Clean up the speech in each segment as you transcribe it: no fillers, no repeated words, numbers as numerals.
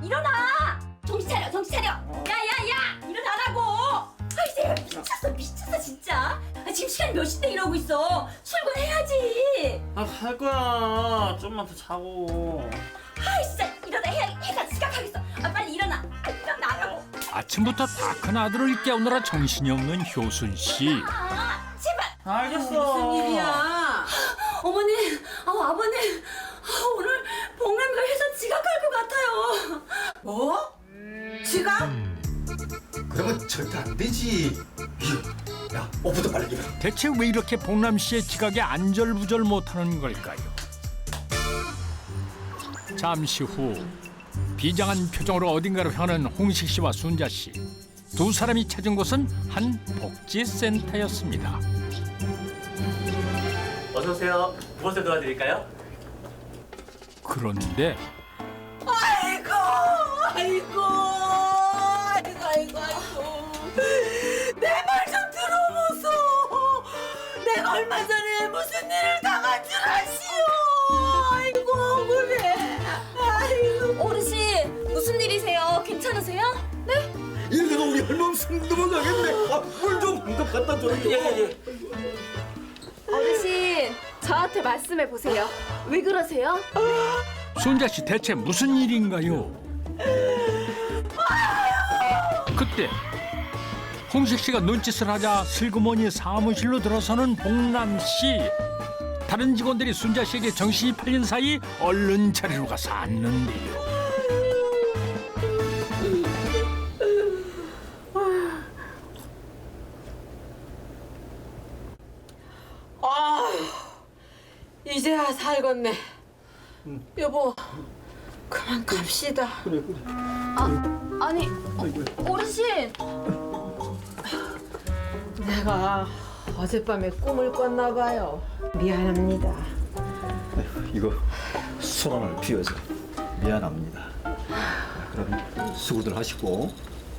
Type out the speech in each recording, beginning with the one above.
일어나! 정신 차려, 정신 차려! 야야야! 일어나라고! 아 이제 미쳤어 진짜. 지금 시간이 몇 시인데 이러고 있어. 출근해야지. 갈 거야. 좀만 더 자고. 아 진짜 일어나. 해가 지각하겠어. 빨리 일어나. 일어나라고. 아침부터 다 큰 아들을 깨우느라 정신이 없는 효순 씨. 제발. 알겠어. 무슨 일이야? 어머니, 아버님, 오늘 복남이가 회사 지각할 것 같아요. 뭐? 지각? 그러면 절대 안 되지. 야, 옷부터 빨리 입어. 대체 왜 이렇게 복남 씨의 지각에 안절부절 못하는 걸까요? 잠시 후 비장한 표정으로 어딘가로 향하는 홍식 씨와 순자 씨. 두 사람이 찾은 곳은 한 복지센터였습니다. 어서 오세요. 무엇을 도와드릴까요? 그런데 아이고. 내 말 좀 들어보소. 내가 얼마 전에 무슨 일을 당한 줄 아시오. 아이고 그래. 아이고. 어르신, 무슨 일이세요? 괜찮으세요? 네? 이러다가 우리 할멈 넘어가겠네. 물 좀 한 컵 갖다 줘. 예. 어르신, 저한테 말씀해 보세요. 왜 그러세요? 순자 씨 대체 무슨 일인가요? 그때 홍식 씨가 눈짓을 하자 슬그머니 사무실로 들어서는 복남 씨. 다른 직원들이 순자 씨에게 정신이 팔린 사이 얼른 자리로 가서 앉는데요. 이제야 살겠네. 여보, 그만 갑시다. 아니, 어르신. 내가 어젯밤에 꿈을 꿨나 봐요. 미안합니다. 이거 소란을 피워서 미안합니다. 그럼 수고들 하시고.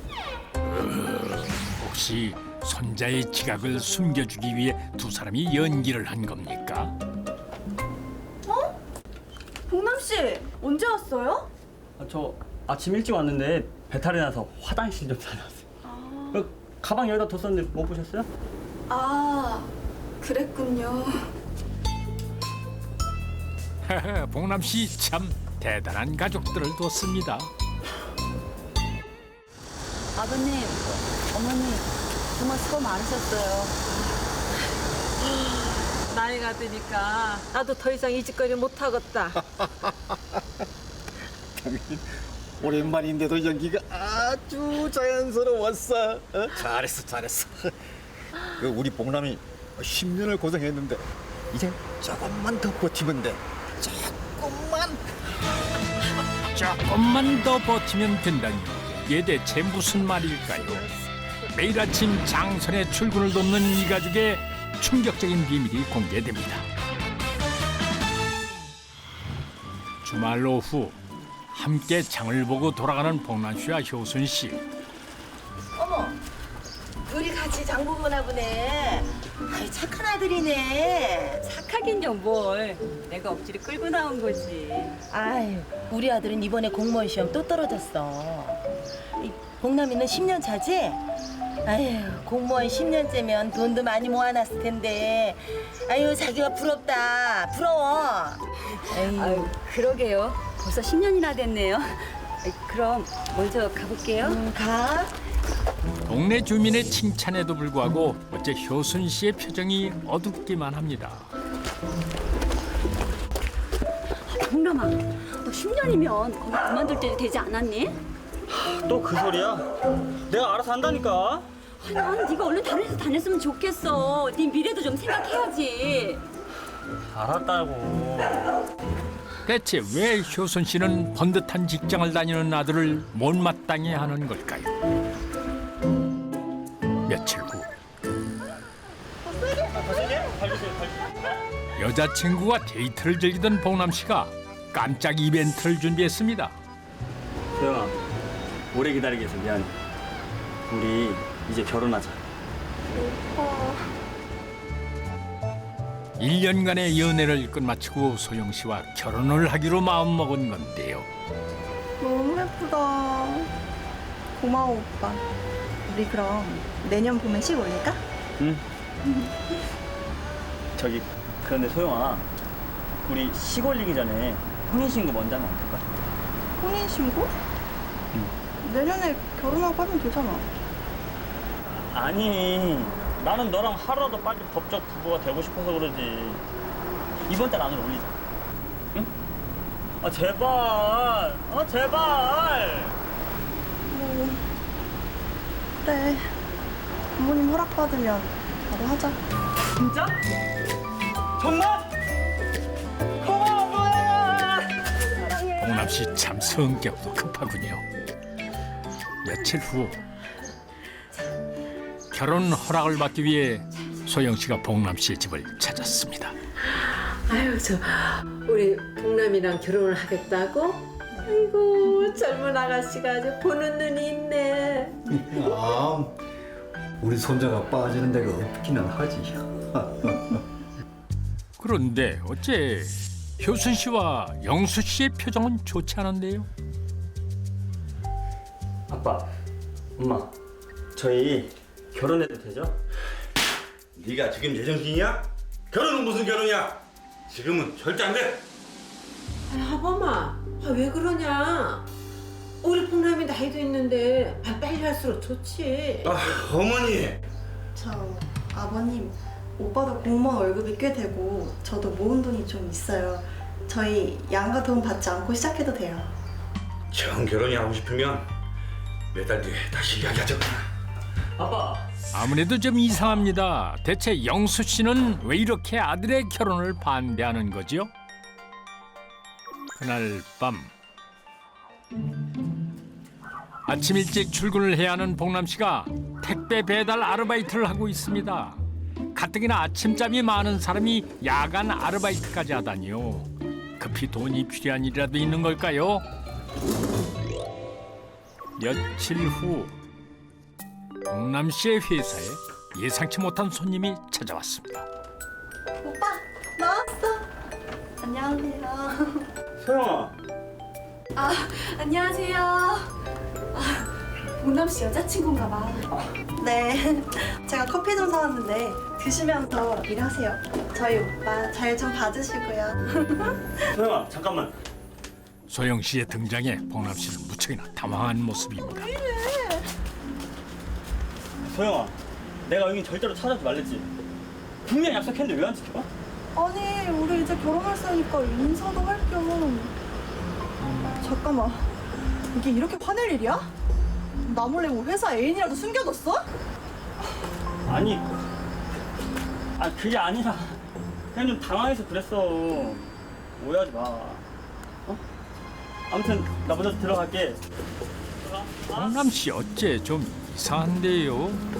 혹시 손자의 지각을 숨겨주기 위해 두 사람이 연기를 한 겁니까? 복남 씨, 언제 왔어요? 저 아침 일찍 왔는데 배탈이 나서 화장실 좀 다녀왔어요. 가방 여기다 뒀었는데 못 보셨어요? 아, 그랬군요. 복남 씨 참 대단한 가족들을 뒀습니다. 아버님, 어머니, 정말 수고 많으셨어요. 나이가 드니까 나도 더 이상 이 짓거리 못 하겠다. 오랜만인데도 연기가 아주 자연스러웠어. 잘했어. 우리 복남이 10년을 고생했는데 이제 조금만 더 버티면 돼. 조금만 더 버티면 된다니 이게 대체 무슨 말일까요? 매일 아침 장선의 출근을 돕는 이 가족의 충격적인 비밀이 공개됩니다. 주말 오후 함께 장을 보고 돌아가는 복남 씨와 효순 씨. 어머, 둘이 같이 장보구나 보네. 아이, 착한 아들이네. 착하긴요 뭘. 내가 억지로 끌고 나온 거지. 아유, 우리 아들은 이번에 공무원 시험 또 떨어졌어. 이 복남이는 10년 차지? 아유, 공무원 10년째면 돈도 많이 모아놨을 텐데. 아유, 자기가 부럽다. 부러워. 에이, 아유 그러게요. 벌써 10년이나 됐네요. 그럼 먼저 가볼게요. 가. 동네 주민의 칭찬에도 불구하고 어째 효순 씨의 표정이 어둡기만 합니다. 복남아, 너 10년이면 거기 그만둘 때 되지 않았니? 또 그 소리야? 내가 알아서 한다니까. 난 네가 얼른 다른 회사 다녔으면 좋겠어. 네 미래도 좀 생각해야지. 알았다고. 대체 왜 효순 씨는 번듯한 직장을 다니는 아들을 못마땅해 하는 걸까요? 며칠 후 여자친구와 데이트를 즐기던 복남 씨가 깜짝 이벤트를 준비했습니다. 소영아, 오래 기다리게 해서 미안해. 우리 이제 결혼하자. 1년간의 연애를 끝마치고 소영 씨와 결혼을 하기로 마음먹은 건데요. 너무 예쁘다. 고마워 오빠. 우리 그럼 내년 봄에 식 올릴까? 응. 저기 그런데 소영아, 우리 시 올리기 전에 혼인신고 먼저 하면 안 될까? 혼인신고? 내년에 결혼하고 하면 되잖아. 아니, 나는 너랑 하루라도 빨리 법적 부부가 되고 싶어서 그러지. 이번 달 안으로 올리자. 응? 아 제발. 아 제발. 뭐 그래. 부모님 허락받으면 바로 하자. 진짜? 정말? 고마워 뭐야. 봉남 씨 참 성격도 급하군요. 며칠 후 결혼 허락을 받기 위해 소영 씨가 봉남 씨의 집을 찾았습니다. 아유 저 우리 봉남이랑 결혼을 하겠다고? 아이고 젊은 아가씨가 아주 보는 눈이 있네. 아, 우리 손자가 빠지는 데가 없기는 하지. 그런데 어째 효순 씨와 영수 씨의 표정은 좋지 않은데요? 아빠, 엄마, 저희 결혼해도 되죠? 네가 지금 제정신이야? 결혼은 무슨 결혼이야? 지금은 절대 안 돼. 아범아 왜 그러냐? 우리 봉남이 나이도 있는데 빨리 할수록 좋지. 아, 어머니. 저 아버님, 오빠도 공무원 월급이 꽤 되고 저도 모은 돈이 좀 있어요. 저희 양가 돈 받지 않고 시작해도 돼요. 정 결혼이 하고 싶으면 몇 달 뒤에 다시 이야기하자. 아빠. 아무래도 좀 이상합니다. 대체 영수 씨는 왜 이렇게 아들의 결혼을 반대하는 거죠? 그날 밤 아침 일찍 출근을 해야 하는 봉남 씨가 택배 배달 아르바이트를 하고 있습니다. 가뜩이나 아침잠이 많은 사람이 야간 아르바이트까지 하다니요. 급히 돈이 필요한 일이라도 있는 걸까요? 며칠 후 봉남 씨의 회사에 예상치 못한 손님이 찾아왔습니다. 오빠, 나왔어. 안녕하세요. 소영아. 안녕하세요. 봉남 씨 여자친구인가 봐. 네, 제가 커피 좀 사왔는데 드시면서 일하세요. 저희 오빠 잘 좀 봐주시고요. 소영아, 잠깐만. 소영 씨의 등장에 봉남 씨는 무척이나 당황한 모습입니다. 소영아, 내가 여긴 절대로 찾아오지 말랬지. 분명 약속했는데 왜 안 지켜봐? 아니, 우리 이제 결혼할 사이니까 인사도 할 겸. 잠깐만, 이게 이렇게 화낼 일이야? 나 몰래 뭐 회사 애인이라도 숨겨뒀어? 아니, 그게 아니라 그냥 좀 당황해서 그랬어. 오해하지 마. 어? 아무튼 나 먼저 들어갈게. 봉남 씨 어째 좀 이상한데요?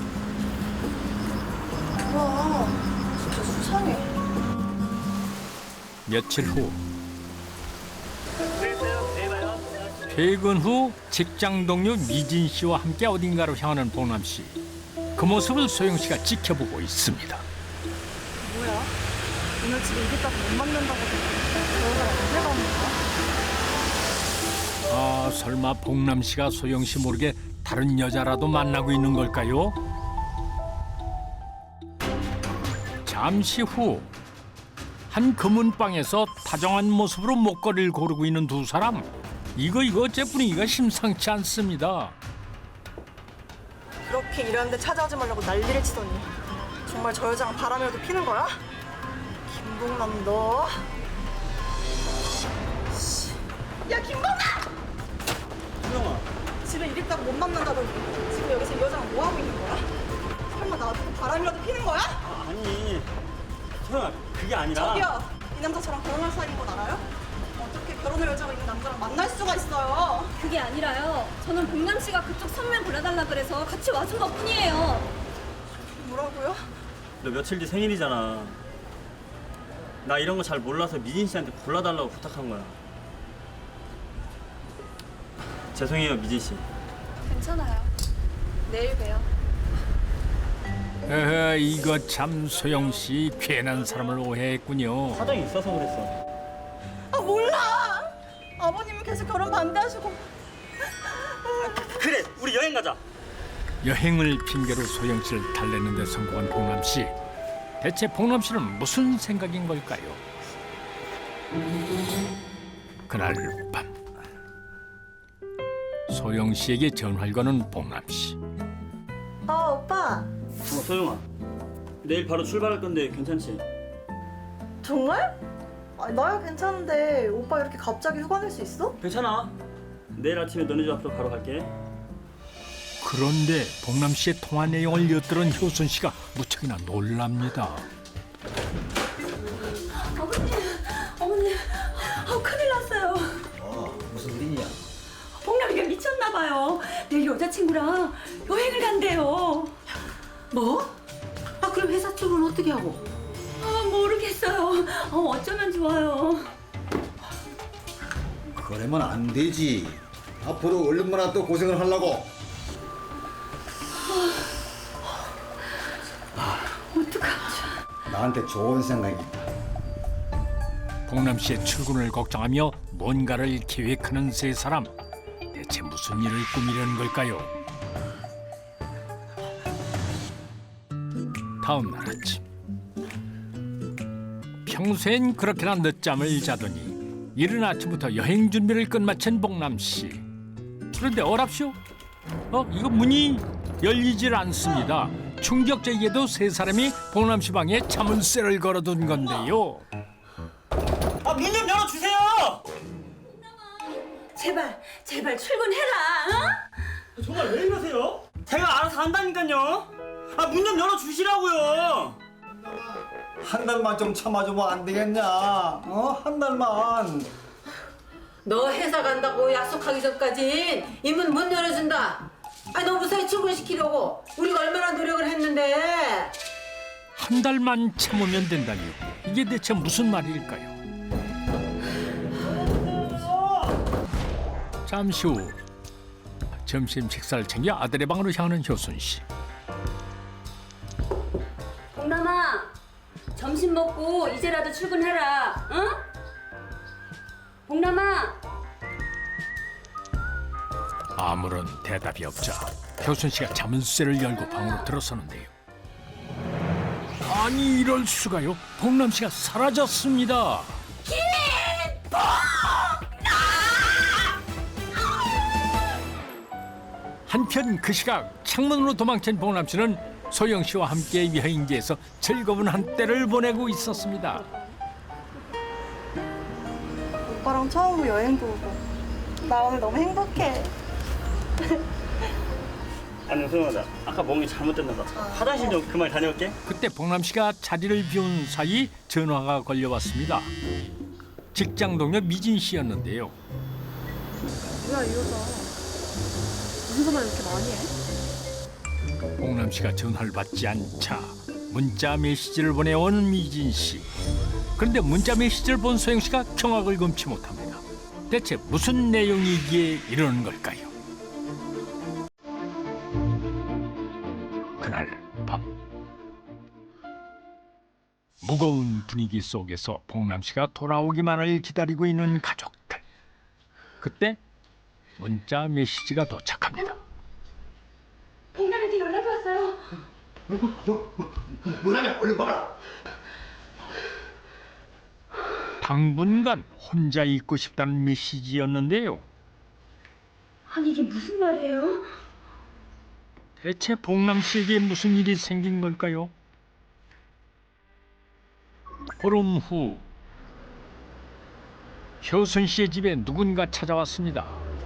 와, 진짜 수상해. 며칠 후 퇴근 후 직장 동료 미진 씨와 함께 어딘가로 향하는 봉남 씨. 그 모습을 소영 씨가 지켜보고 있습니다. 뭐야? 오늘 집에 이겼다고 못 만난다고 너가 언제 가는 거야? 아, 설마 봉남 씨가 소영 씨 모르게 다른 여자라도 만나고 있는 걸까요? 잠시 후 한 금은방에서 다정한 모습으로 목걸이를 고르고 있는 두 사람. 이거 어째 분위기가 심상치 않습니다. 그렇게 일하는데 찾아오지 말라고 난리를 치더니 정말 저 여자랑 바람이라도 피는 거야? 김봉남 너. 야 김봉남! 소영아. 집에 일 있다고 못 만난다더니 지금 여기서 이 여자랑 뭐 하고 있는 거야? 설마 나한테 바람이라도 피는 거야? 아니, 소영아, 그게 아니라. 저기요, 이 남자 저랑 결혼할 사이인 건 알아요? 어떻게 결혼할 여자가 있는 남자랑 만날 수가 있어요? 그게 아니라요. 저는 봉남 씨가 그쪽 선면 골라달라 그래서 같이 와준 것뿐이에요. 뭐라고요? 너 며칠 뒤 생일이잖아. 나 이런 거 잘 몰라서 미진 씨한테 골라달라고 부탁한 거야. 죄송해요, 미진 씨. 괜찮아요. 내일 봬요. 이거 참 소영 씨 괜한 사람을 오해했군요. 사정이 있어서 그랬어. 아 몰라! 아버님은 계속 결혼 반대하시고. 그래, 우리 여행 가자. 여행을 핑계로 소영 씨를 달래는 데 성공한 봉남 씨. 대체 봉남 씨는 무슨 생각인 걸까요? 그날 밤 소영 씨에게 전화를 거는 봉남 씨. 오빠. 소영아, 내일 바로 출발할 건데 괜찮지? 정말? 나야 괜찮은데 오빠 이렇게 갑자기 휴가 낼 수 있어? 괜찮아. 내일 아침에 너네 집 앞으로 바로 갈게. 그런데 봉남 씨의 통화 내용을 엿들은 효순 씨가 무척이나 놀랍니다. 어머님, 큰일 났어요. 무슨 일이냐? 복남이가 미쳤나 봐요. 내일 여자친구랑 여행을 간대요. 뭐? 그럼 회사 쪽은 어떻게 하고? 모르겠어요. 어쩌면 좋아요. 그러면 안 되지. 앞으로 얼마나 또 고생을 하려고. 어떡하죠? 나한테 좋은 생각이 있다. 봉남 씨의 출근을 걱정하며 뭔가를 계획하는 세 사람. 대체 무슨 일을 꾸미려는 걸까요? 다음 날 아침. 평소엔 그렇게나 늦잠을 자더니 이른 아침부터 여행 준비를 끝마친 봉남 씨. 그런데 어랍쇼? 이거 문이 열리질 않습니다. 충격적이게도 세 사람이 봉남 씨 방에 자물쇠를 걸어둔 건데요. 문 좀 열어주세요. 제발 출근해라. 정말 왜 이러세요? 제가 알아서 한다니까요. 문 좀 열어주시라고요. 한 달만 좀 참아주면 안 되겠냐? 한 달만. 너 회사 간다고 약속하기 전까진 이 문 못 열어준다. 너 무사히 출근시키려고 우리가 얼마나 노력을 했는데. 한 달만 참으면 된다니요. 이게 대체 무슨 말일까요? 잠시 후 점심 식사를 챙겨 아들의 방으로 향하는 효순 씨. 봉남아, 점심 먹고 이제라도 출근해라. 응? 봉남아. 아무런 대답이 없자 효순 씨가 자물쇠를 열고 방으로 들어서는데요. 아니 이럴 수가요? 봉남 씨가 사라졌습니다. 한편 그 시각 창문으로 도망친 봉남 씨는 소영 씨와 함께 여행지에서 즐거운 한때를 보내고 있었습니다. 오빠랑 처음으로 여행도 오고. 나 오늘 너무 행복해. 아니 소영아, 아까 먹은 게 잘못됐나 봐. 화장실 좀 그만 다녀올게. 그때 봉남 씨가 자리를 비운 사이 전화가 걸려왔습니다. 직장 동료 미진 씨였는데요. 뭐야 이 여자. 무슨 전화 이렇게 많이 해? 봉남 씨가 전화를 받지 않자 문자 메시지를 보내온 미진 씨. 그런데 문자 메시지를 본 소영 씨가 경악을 금치 못합니다. 대체 무슨 내용이기에 이러는 걸까요? 그날 밤 무거운 분위기 속에서 봉남 씨가 돌아오기만을 기다리고 있는 가족들. 그때 문자 메시지가 도착합니다. 복남한테 연락이 왔어요. 문화면 얼른 봐라. 당분간 혼자 있고 싶다는 메시지였는데요. 아니 이게 무슨 말이에요? 대체 봉남 씨에게 무슨 일이 생긴 걸까요? 보름 후 효순 씨의 집에 누군가 찾아왔습니다.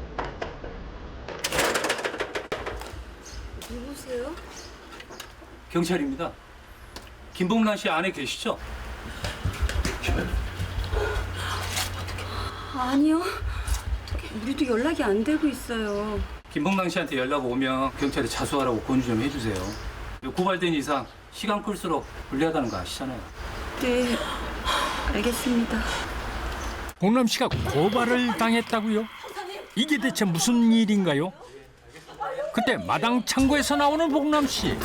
누구세요? 경찰입니다. 김봉란 씨 안에 계시죠? 아니요. 우리도 연락이 안 되고 있어요. 김봉란 씨한테 연락 오면 경찰에 자수하라고 권유 좀 해주세요. 고발된 이상 시간 끌수록 불리하다는 거 아시잖아요. 네, 알겠습니다. 봉남 씨가 고발을 당했다고요? 이게 대체 무슨 일인가요? 그때 마당 창고에서 나오는 봉남 씨.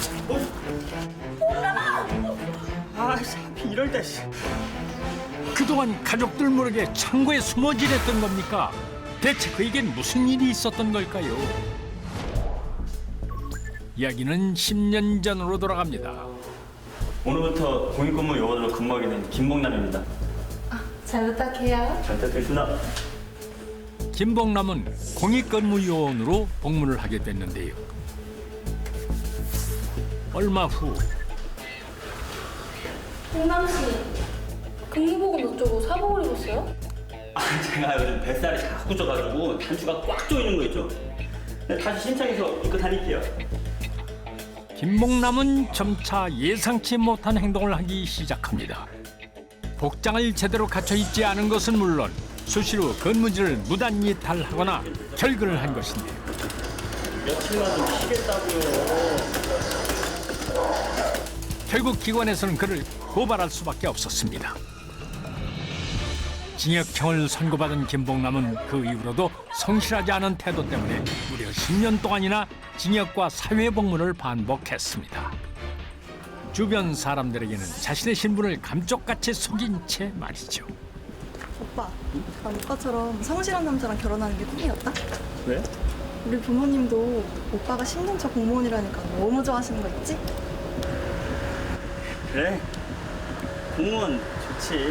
이럴 때. 그동안 가족들 모르게 창고에 숨어 지냈던 겁니까? 대체 그에겐 무슨 일이 있었던 걸까요? 이야기는 10년 전으로 돌아갑니다. 오늘부터 공익근무 요원으로 근무하게 된 김봉남입니다. 잘 부탁해요. 잘 부탁드립니다. 김봉남은 공익근무요원으로 복무를 하게 됐는데요. 얼마 후 봉남 씨, 근무복은 어쩌고 사복을 입었어요? 제가 요즘 뱃살이 자꾸 쪄가지고 단추가 꽉 조이는 거 있죠? 다시 신청해서 입고 다닐게요. 김봉남은 점차 예상치 못한 행동을 하기 시작합니다. 복장을 제대로 갖춰 입지 않은 것은 물론 수시로 근무지를 무단 이탈하거나 결근을 한 것인데요. 며칠만 좀 쉬겠다고요. 결국 기관에서는 그를 고발할 수밖에 없었습니다. 징역형을 선고받은 김봉남은 그 이후로도 성실하지 않은 태도 때문에 무려 10년 동안이나 징역과 사회복무를 반복했습니다. 주변 사람들에게는 자신의 신분을 감쪽같이 속인 채 말이죠. 오빠, 난 오빠처럼 성실한 남자랑 결혼하는 게 꿈이었다. 왜? 우리 부모님도 오빠가 10년 차 공무원이라니까 너무 좋아하시는 거 있지? 그래. 공무원 좋지.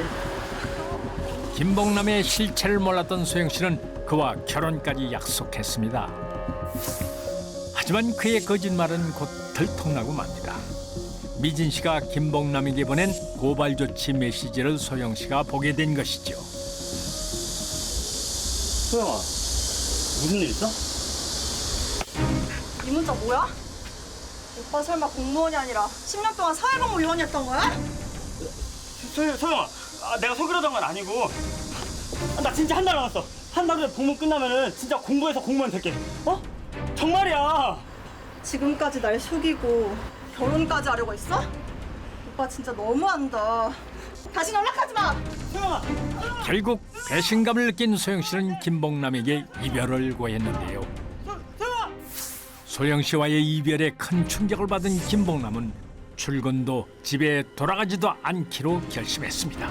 김봉남의 실체를 몰랐던 소영 씨는 그와 결혼까지 약속했습니다. 하지만 그의 거짓말은 곧 들통나고 맙니다. 미진 씨가 김봉남에게 보낸 고발 조치 메시지를 소영 씨가 보게 된 것이죠. 소영아, 무슨 일 있어? 이 문자 뭐야? 오빠 설마 공무원이 아니라 10년 동안 사회복무 요원이었던 거야? 소영아, 내가 속이려던 건 아니고 나 진짜 한 달 남았어. 한 달 후에 복무 끝나면은 진짜 공부해서 공무원 될게. 어? 정말이야. 지금까지 날 속이고 결혼까지 하려고 했어? 오빠 진짜 너무한다. 다시 연락하지 마! 소영아. 결국 배신감을 느낀 소영 씨는 김봉남에게 이별을 고했는데요. 소영 씨와의 이별에 큰 충격을 받은 김봉남은 출근도 집에 돌아가지도 않기로 결심했습니다.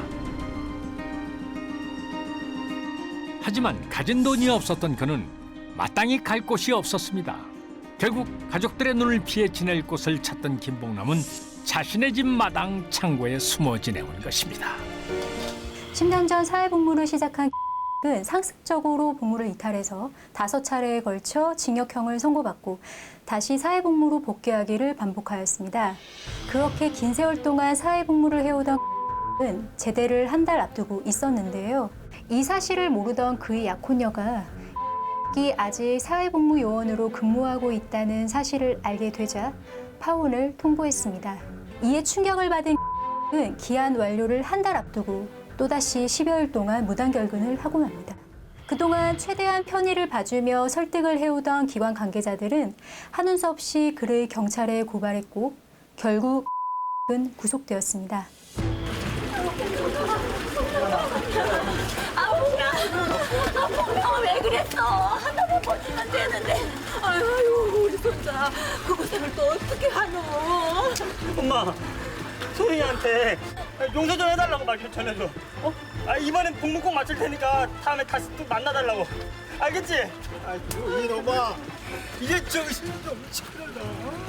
하지만 가진 돈이 없었던 그는 마땅히 갈 곳이 없었습니다. 결국 가족들의 눈을 피해 지낼 곳을 찾던 김봉남은 자신의 집 마당 창고에 숨어 지내온 것입니다. 10년 전 사회복무를 시작한 은 상습적으로 복무를 이탈해서 5차례에 걸쳐 징역형을 선고받고 다시 사회복무로 복귀하기를 반복하였습니다. 그렇게 긴 세월 동안 사회복무를 해오던 은 제대를 한 달 앞두고 있었는데요. 이 사실을 모르던 그의 약혼녀가 아직 사회복무 요원으로 근무하고 있다는 사실을 알게 되자 파혼을 통보했습니다. 이에 충격을 받은 은 기한 완료를 한 달 앞두고 또다시 10여일 동안 무단 결근을 하고 맙니다. 그동안 최대한 편의를 봐주며 설득을 해오던 기관 관계자들은 한운 수 없이 그를 경찰에 고발했고 결국 은 구속되었습니다. 봉남아 왜 그랬어? 하나만 버티면 되는데. 아유 우리 손자 그 고생을 또 어떻게 하노? 엄마, 소영이한테 용서 좀 해달라고 말 좀 전해줘. 어? 이번엔 복무 꼭 마칠 테니까 다음에 다시 또 만나달라고. 알겠지? 아이고 이놈아, 이제 정신 좀 차려라.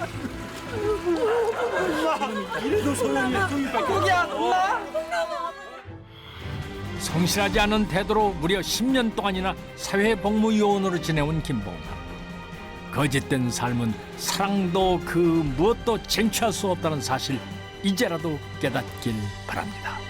엄마, 이래도 소영이야. 꼭이야, 엄마. 성실하지 않은 태도로 무려 10년 동안이나 사회복무요원으로 지내온 김봉남. 거짓된 삶은 사랑도 그 무엇도 쟁취할 수 없다는 사실 이제라도 깨닫길 바랍니다.